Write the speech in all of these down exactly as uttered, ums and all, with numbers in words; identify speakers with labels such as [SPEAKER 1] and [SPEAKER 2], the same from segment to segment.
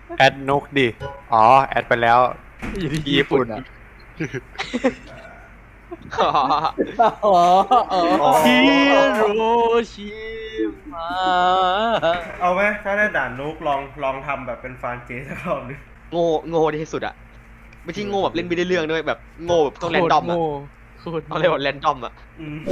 [SPEAKER 1] แอดนุกดิอ๋อแอดไปแล้วญี่ปุ่นอ่ะ
[SPEAKER 2] อ๋อ
[SPEAKER 3] อ๋ออ๋อ
[SPEAKER 2] ฮิโรชิมา
[SPEAKER 4] เอาไหมถ้าได้ด่านนุกลองลองทำแบบเป็นฟานเจสักรอบนึง
[SPEAKER 2] โง่โง่ที่สุดอะไม่ใช่โง่แบบเล่นไม่ได้เรื่องด้วยแบบโง่แบบต้องแรนดอมอะ
[SPEAKER 3] โคตร
[SPEAKER 2] ต้องเรียกว่าแรนดอมอะ
[SPEAKER 4] อืม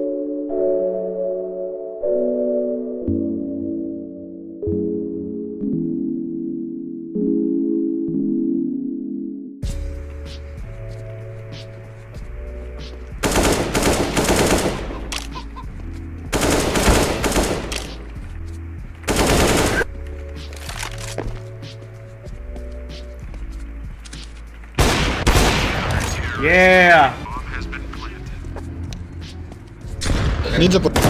[SPEAKER 4] เย้
[SPEAKER 5] นี่จะปด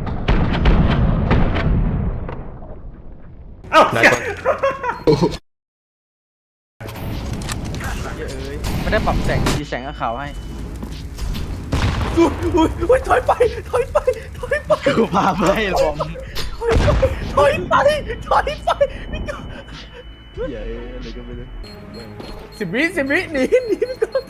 [SPEAKER 4] เอ้า
[SPEAKER 1] ได้
[SPEAKER 4] เหี้ย
[SPEAKER 1] ก่อน
[SPEAKER 3] เยอะเอ้ยไม่ได้ปรับแสงสีแสงกับขาวให้อุ้ยอุ้ยอุ้ยถอยไปถอยไปถอยไป
[SPEAKER 2] กูพาไปลอง
[SPEAKER 3] ถอยไปถอยไปไม่ก็เย้อะไรก็ไม่รู้สิบวิสิบวิหนีหนีไปก่อน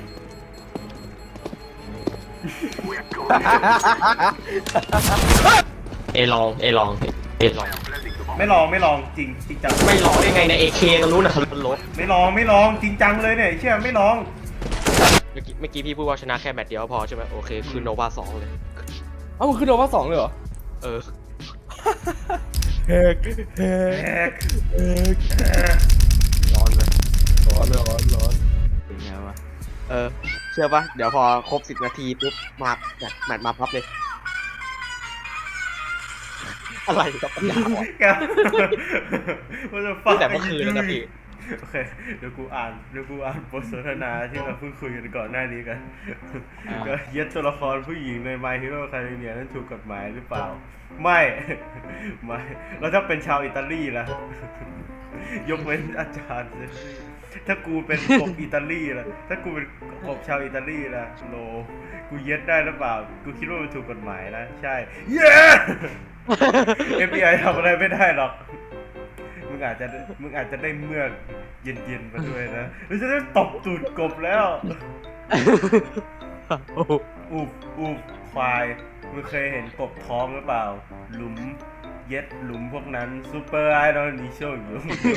[SPEAKER 6] เอลองเอลองเอลอง
[SPEAKER 4] ไม่ลองไม่ลองจริงจริงจัง
[SPEAKER 6] ไม่ลองได้ไงในเอเคก็รู้นะรถ
[SPEAKER 4] ไม่ลองไม่ลองจริงจังเลยเนี่ยเชื่อไม่ลอง
[SPEAKER 2] เมื่อกี้เมื่อกี้พี่พูดว่าชนะแค่แมตช์เดียวพอใช่ไหมโอเคคือโนวาสองเลย
[SPEAKER 3] เอ้ามันคือโดนว่าสองเลยเหรอ
[SPEAKER 2] เออ
[SPEAKER 3] แฮกแฮ
[SPEAKER 4] แอก ก
[SPEAKER 2] ร้อนเลย
[SPEAKER 3] ร้อนร้อนร้อนเป็นไงวะ
[SPEAKER 2] เออเชื่อปะเดี๋ยวพอครบสิบนาทีปุ๊บมาแมตช์แมตช์มาพับเลยอะไรกับปัญญาอ่อน
[SPEAKER 4] แกว่าจะฟั
[SPEAKER 2] ตั้งแต่เมื่อคืนแล้วนะพี่
[SPEAKER 4] โอเคเดี๋ยวกูอ่านเดี๋ยวกูอ่านบทสนทนาที่เราเพิ่งคุยกันก่อนหน้านี้กันก็เย็ดตัวละครผู้หญิงใน My Hero Academia นั้นถูกกฎหมายหรือเปล่า ไม่ ไม่แล้วถ้าเป็นชาวอิตาลีล่ะ ยกเว้นอาจารย์สิถ้ากูเป็นกบอิตาลีล่ะถ้ากูเป็นกบชาวอิตาลีล่ะโลกูเย็ดได้หรือเปล่ากูคิดว่ามันถูกกฎหมายนะใช่เย้ เอฟ บี ไอ ทำอะไรไม่ได้หรอก มึงอาจจะมึงอาจจะได้เมือกเย็นๆมาด้วยนะหรือจะได้ตบตูดกบแล้วอูบอูบควายมึงเคยเห็นกบท้องหรือเปล่า หลุมเย็ดหลุมพวกนั้นซูเปอร์ไอดอลนิโชอยู่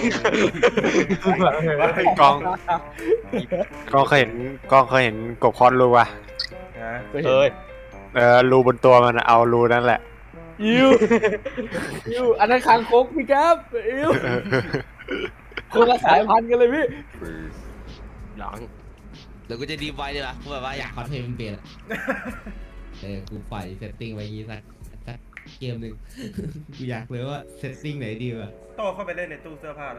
[SPEAKER 1] กองกองเคยเห็นกองเคยเห็นกบคอนรูป่ะ
[SPEAKER 4] นะ
[SPEAKER 2] เอ้ย
[SPEAKER 1] เออรูบนตัวมันอะเอารูนั่นแหละ
[SPEAKER 3] อิวอิวอันนั้นคางคกพี่ครับอิวคนละสายพันธุ์กันเลยพี่
[SPEAKER 2] หลัง
[SPEAKER 7] เดี๋ยวกูจะดีไว้เลยละกูแบบว่าอยากคอนเทนต์มันเปลี่ยนอะเออกูปล่อยเซตติ้งไว้งี้สักสักเกมหนึ่ง กูอยากเลยว่าเซตติ้งไหนดีวะ
[SPEAKER 4] โต้เข้าไปเล่นในตู้เสื้อผ้าเลย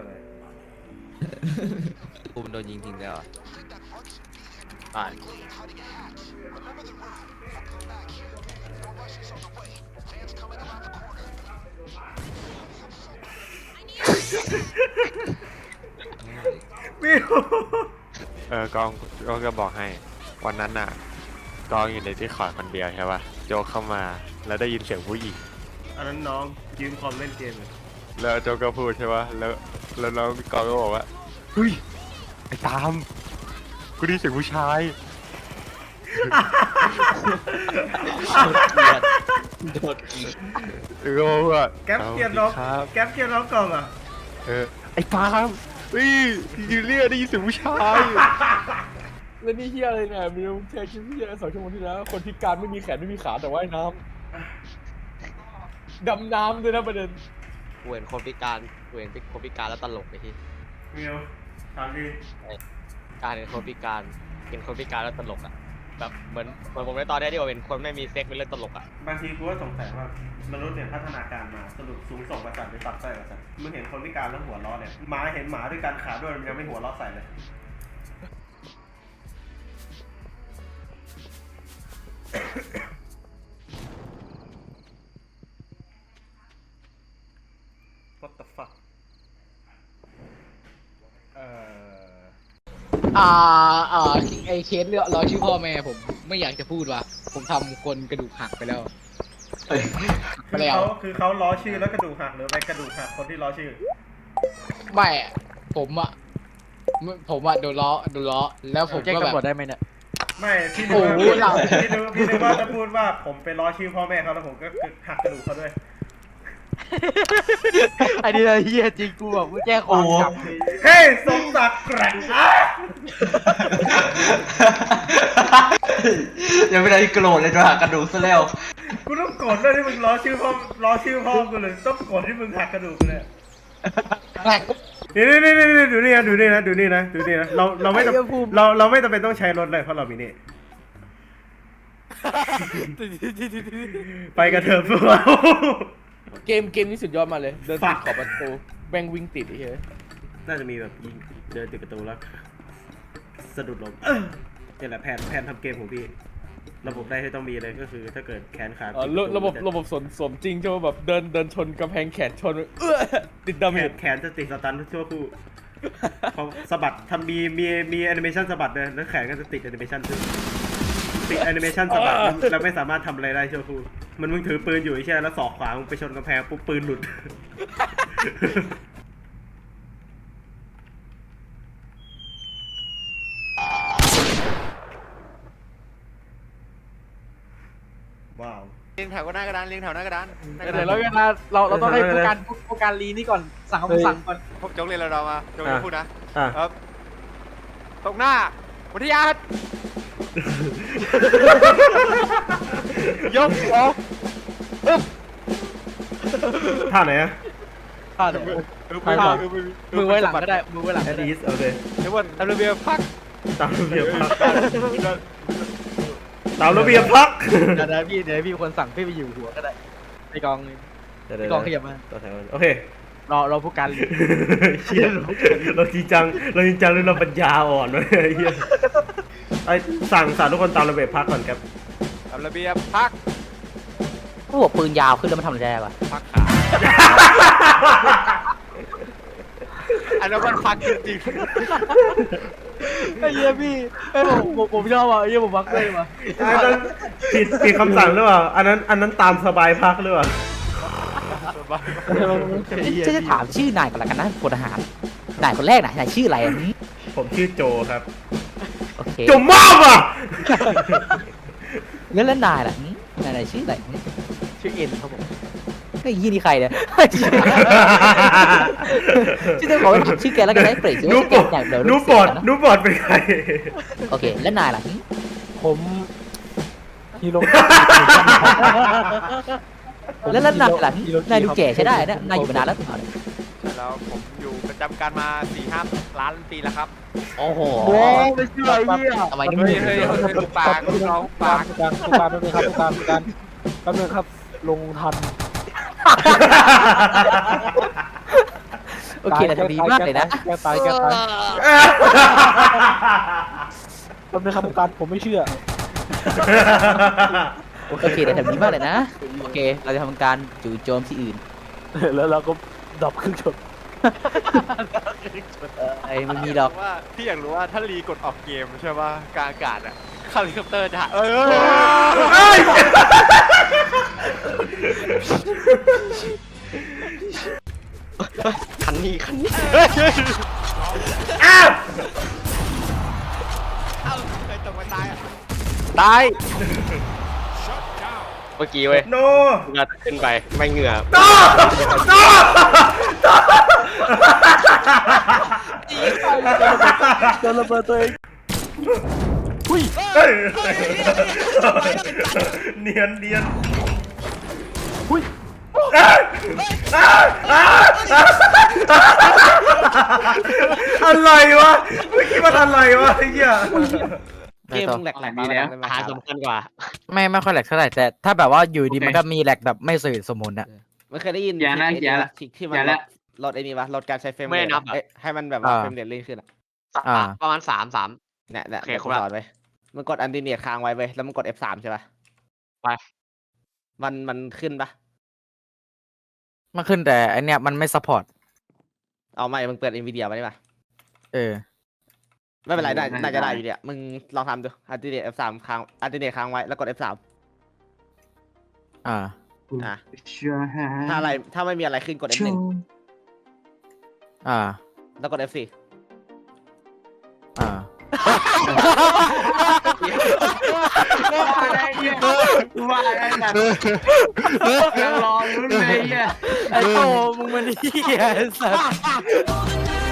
[SPEAKER 2] กูมันโดนยิงทิ้งแล้วอะอ่าน
[SPEAKER 4] มิว
[SPEAKER 1] เออกองกองก็บอกให้ วันนั้นน่ะกองอยู่ในที่ขอดคนเดียวใช่ป่ะโจกเข้ามาแล้วได้ยินเสียงผู้หญิง
[SPEAKER 4] อันนั้นน้องยืมคอมเล่นเกมเลย
[SPEAKER 1] แล้วโจกก็พูดใช่ป่ะแล้วแล้วน้องกองก็บอกว่าเฮ้ยไอ้ตามกูได้ยินเสียงผู้ชาย
[SPEAKER 2] โดนยิง
[SPEAKER 1] เออก็บอกว่า
[SPEAKER 4] แก๊ปเกียร์น้อง
[SPEAKER 1] ครับ
[SPEAKER 4] แก๊ปเกียร์น้องกล่องอ่ะ
[SPEAKER 1] เออไอ้ตามเฮ้ยยูเรียได้ยินเสียงผู้ชาย
[SPEAKER 3] แล้วนี่เฮียอะไรเนี่ยมีแชร์คลิปเฮียสองชั่วโมงที่แล้วคนพิการไม่มีแขนไม่มีขาแต่ว่ายน้ำดำน้ำด้วยนะประเด็น
[SPEAKER 2] กูเห็นคนพิการกูเห็นคนพิการแล้วตลกไอ้ที่
[SPEAKER 4] มิวถามดิ
[SPEAKER 2] การเห็นคนพิการเห็นคนพิการแล้วตลกอ่ะแบบเหมือนเหมือนผมในตอนนี้ที่ว่าเป็นคนไม่มีเซ็กเป็นเรื่องตลกอ่ะ
[SPEAKER 4] บางทีกูก็สงสัยว่ามนุษย์เนี่ยพัฒนาการมาสรุปสูงส่งประสาทหรือตัดไส้ประสาทมึงเห็นคนพิการแล้วหัวล้อเนี่ยหมาเห็นหมาด้วยการขาด้วยมันยังไม่หัวล้อใส่เลย What the fuck เอ่อ
[SPEAKER 8] อ่าอ่าไอเคสเรื่องรอชื่อพ่อแม่ผมไม่อยากจะพูดว่ะผมทำคนกระดูกหักไปแล้วไป
[SPEAKER 4] คือ
[SPEAKER 8] แล้ว
[SPEAKER 4] เขาคือเขาล้อชื่อแล้วกระดูกหักหรือไปกระดูกหักคนที่ล้อชื่อ
[SPEAKER 8] ไม่อะผมอะผมอะโดนล้อโดนล้อแล้วผม
[SPEAKER 3] แจ้ง
[SPEAKER 8] ก็แบ
[SPEAKER 3] ตำรวจ
[SPEAKER 8] บ
[SPEAKER 3] ได้ไหมเนี่ย
[SPEAKER 4] ไม่พี่นึ
[SPEAKER 8] โอ้
[SPEAKER 4] ก
[SPEAKER 8] โห
[SPEAKER 4] ว่า
[SPEAKER 8] เรา
[SPEAKER 4] พี่นึกพี่นึกว่าจะพูดว่าผมไปล้อชื่อพ่อแม่เขาแล้วผมก็หักกระดูกเขาด้วย
[SPEAKER 3] ไอ้นี่เฮียจริงกูแบบกูแจ้งความกลับเลย
[SPEAKER 4] เฮ้ยสมศักดิ์แกร่งอ่ะ
[SPEAKER 9] ยังไม่ได้โกรธเลยจะหักกระดูกซะแล้ว
[SPEAKER 4] กูต้องโกรธด้วยที่มึงล้อชื่อพ่อล้อชื่อพ่อกูเลยต้องโกรธที่มึงหักกระดูกกูเลย
[SPEAKER 8] แหลก
[SPEAKER 4] นี่นี่นี่นี่ดูนี่นะดูนี่นะดูนี่นะดูนี่นะเราเราไม่จำเราเราไม่จำเป็นต้องใช้รถเลยเพราะเรามีนี่ ไปกันเถอะพวกเรา
[SPEAKER 3] เกมเกมนี้สุดยอดมาเลย เดินติดขอบประตูแบงวิ่งติดไอ้เหี้ย
[SPEAKER 4] น่าจะมีแบบยิงเดินติดประตูแล้วสะดุดล้มนี่แหละแผนแผนทำเกมของพี่ระบบได้ที่ต้องมีเลยก็คือถ้าเกิดแขนขา
[SPEAKER 3] เออระระบบระบบสมสมจริงใช่ไหมแบบเดินเดินชนกำแพงแขนชนเออติดดาเม
[SPEAKER 4] แข
[SPEAKER 3] จ
[SPEAKER 4] นแขนจะติดสตันทั่วคู่พอสะบัดทำมีมีมีแอนิเมชันสะบัดเลยแล้วแขนก็จะติดแอนิเมชันซึ่งติดแอนิเมชันสะบัดแล้วแล้วไม่สามารถทำอะไรได้ชั่วคู่มันมึงถือปืนอยู่ใช่ไหมแล้วสอกขวามึงไปชนกำแพงปุ๊บปืนหลุด ว้าว
[SPEAKER 1] เรียงแถวก็หน้ากระดานเรียงแถวหน้ากระดาน
[SPEAKER 3] เดี๋ยวเราเวลาเราเราต้องให้ผู้การผู้การลีนี่ก่อนสั่งคำสั่งก่อน
[SPEAKER 1] พวกโจ๊กเรียนเรามาโจ๊กจะพูดนะ
[SPEAKER 4] อ่ะ
[SPEAKER 1] ครับตรงหน้าวิทยาศยกออก
[SPEAKER 4] ท่าไหนอะ
[SPEAKER 3] อ่าเดี๋ยวมือไว้หลังก็ได้มือไว้หลัง
[SPEAKER 4] แอ
[SPEAKER 3] ก็
[SPEAKER 4] ด
[SPEAKER 3] ได้
[SPEAKER 4] อีสโอเค
[SPEAKER 1] เดี๋ยววันตามระเบียบพัก
[SPEAKER 4] ตามระเบียบพักตามระเบียบพัก
[SPEAKER 3] เดี๋ยวพี่เดี๋ยวพี่คนสั่งพี่ไปอยู่หัวก็ได้ในกองในกองขยับมา
[SPEAKER 4] ต่อแถวโอเค
[SPEAKER 3] รอรอผู้การลี
[SPEAKER 4] เชี่ยเราจริงจังเราจริงจังหรือเราปัญญาอ่อนวะไอ้เหี้ยไอ้สั่งสั่งทุกคนตามระเบียบพักก่อนครับ
[SPEAKER 1] ตามระเบียบพัก
[SPEAKER 8] หัวปืนยาวขึ้นแล้วมันทำอะไรได้ปะ
[SPEAKER 1] พักขาอันนั้นมันพักจริง
[SPEAKER 3] ไอ้เหี้ยพี่ไอ้ผมผมผมชอบอ่ะไอ้เหี้ยผมมักเลยว่ะ
[SPEAKER 4] อันนั้นผิดผิดคำสั่งหรือเปล่าอันนั้นอันนั้นตามสบายพักหรือเปล่า
[SPEAKER 8] จะจะถามชื่อนายก่อนละกันนะพลทหารนายคนแรกนายนายชื่ออะไร
[SPEAKER 4] ผมชื่อโจครับ
[SPEAKER 8] โอเค
[SPEAKER 4] โจมากอ่ะ
[SPEAKER 8] แล้วแล้วนายล่ะนายนายชื่ออะไร
[SPEAKER 3] ชื่อเอ็นครับผม
[SPEAKER 8] ไอ้ยี่นี่ใครเนี่ยชื่อเจ้าของชื่อแกแล้วกันได้เปรต
[SPEAKER 4] นูปอดนูปอดนูปอดเป็นใคร
[SPEAKER 8] โอเคแล้วนายล่ะ
[SPEAKER 3] ผมฮีโร่
[SPEAKER 8] แล้วแล้วนายล่ะนายดูแก่ใช้ได้นะนายอยู่มานานแล้ว
[SPEAKER 1] ๆแล้วผมอยู่ประจำการมาสี่ห้าล้านปีแล้วครับ
[SPEAKER 8] โอ้โห
[SPEAKER 3] โอ้ไม่เชื่อไอ้เหี้ย
[SPEAKER 8] ทำไมนี่
[SPEAKER 1] เฮ้
[SPEAKER 8] มึ
[SPEAKER 1] ย
[SPEAKER 8] ง
[SPEAKER 1] เฮ้ยเฮ้ยปากน้องปาก
[SPEAKER 3] ผู้การผู้การแป๊บนึงครับผู้การผู้การแป๊บนึงครับลงทัน
[SPEAKER 8] โอเคแต่ดีมากเลยนะ
[SPEAKER 3] แกตายแกตายแป๊บนึงครับผู้การผมไม่เชื่อ
[SPEAKER 8] โอเคแต่ดีมากเลยนะโอเคเราจะทำการจู่โจมที่อื่น
[SPEAKER 3] แล้วเราก็ดับเครื่องชน
[SPEAKER 8] ไอ้มันมีดอก
[SPEAKER 1] ว่าพี่อยากรู้ว่าถ้ารีกดออกเกมใช่ป่ะกลางอากาศอะเฮลิคอปเตอร์จะเออ
[SPEAKER 6] คันนี้คันนี้
[SPEAKER 4] อ้าว
[SPEAKER 1] เอ้าใครตกมาตายอะ
[SPEAKER 2] ตายเมื่อกี้เว้ย
[SPEAKER 4] โน
[SPEAKER 2] เงือขึ้นไปไม่เหงื่อ
[SPEAKER 4] โนโน
[SPEAKER 3] โดนระเบิดตัวเอง
[SPEAKER 4] เฮ้ยเนียนเนียน
[SPEAKER 3] อุ้ย
[SPEAKER 4] อะไรวะเมื่อกี้มันอะไรวะไอ้เหี้ย
[SPEAKER 8] เกมแหลก
[SPEAKER 6] มีแล้ว
[SPEAKER 2] อาหารสำคัญกว่า
[SPEAKER 8] ไม่ไม่ค่อยแหลกเท่าไหร่แต่ถ้าแบบว่าอยู่ดีมันก็มีแหลกแบบไม่สมสมมุนอะ
[SPEAKER 6] ไม่เคยได้ยิน
[SPEAKER 9] อย่านะอย่าละ
[SPEAKER 6] ที่ที่มั
[SPEAKER 9] อน ย่าละ
[SPEAKER 6] ลดไอ้นี่วะลดการใช้เฟรม
[SPEAKER 2] ไม่นับอะ
[SPEAKER 6] เอ้ยให้มันแบบว่าเฟรมเรทลื่นขึ้นอะ
[SPEAKER 8] อ่า
[SPEAKER 2] ประมาณสามสาม
[SPEAKER 6] เนี่ยเนี่ย
[SPEAKER 2] โอเค
[SPEAKER 6] เดี๋ยว
[SPEAKER 2] คร
[SPEAKER 6] กู
[SPEAKER 2] บละ
[SPEAKER 6] สอนไว้มันกดอันติเนียค้างไว้เว้ยแล้วมันกด เอฟ สาม ใช่ปะ
[SPEAKER 2] ไป
[SPEAKER 6] มันมันขึ้นปะ
[SPEAKER 8] มันขึ้นแต่อันเนี้ยมันไม่ซัพพอร์ต
[SPEAKER 6] เอาไม่มึงเปิด NVIDIA มาได้ปะ
[SPEAKER 8] เออ
[SPEAKER 6] ไม่เป็นไรได้
[SPEAKER 9] ได้
[SPEAKER 6] น่าจะได้
[SPEAKER 9] ได้
[SPEAKER 6] อยู่เนี่ยมึงลองทำดูอันติเนีย เอฟ สาม ค้างอันติเนียค้างไว้แล้วกด เอฟ สาม
[SPEAKER 8] อ่า
[SPEAKER 6] อ่ะ
[SPEAKER 9] เชื่อฮะ
[SPEAKER 6] ถ้าอะไรถ้าไม่มีอะไรขึ้นกด เอฟ หนึ่ง
[SPEAKER 8] อ่า
[SPEAKER 6] แล้วกด เอฟ สี่
[SPEAKER 3] อ่า
[SPEAKER 9] ว่าได้เหี้ยว่าได้แบบยังรอลุ้นเลยเหี้ย
[SPEAKER 3] ไอ้โตมึงมันเหี้ยไอ้สัส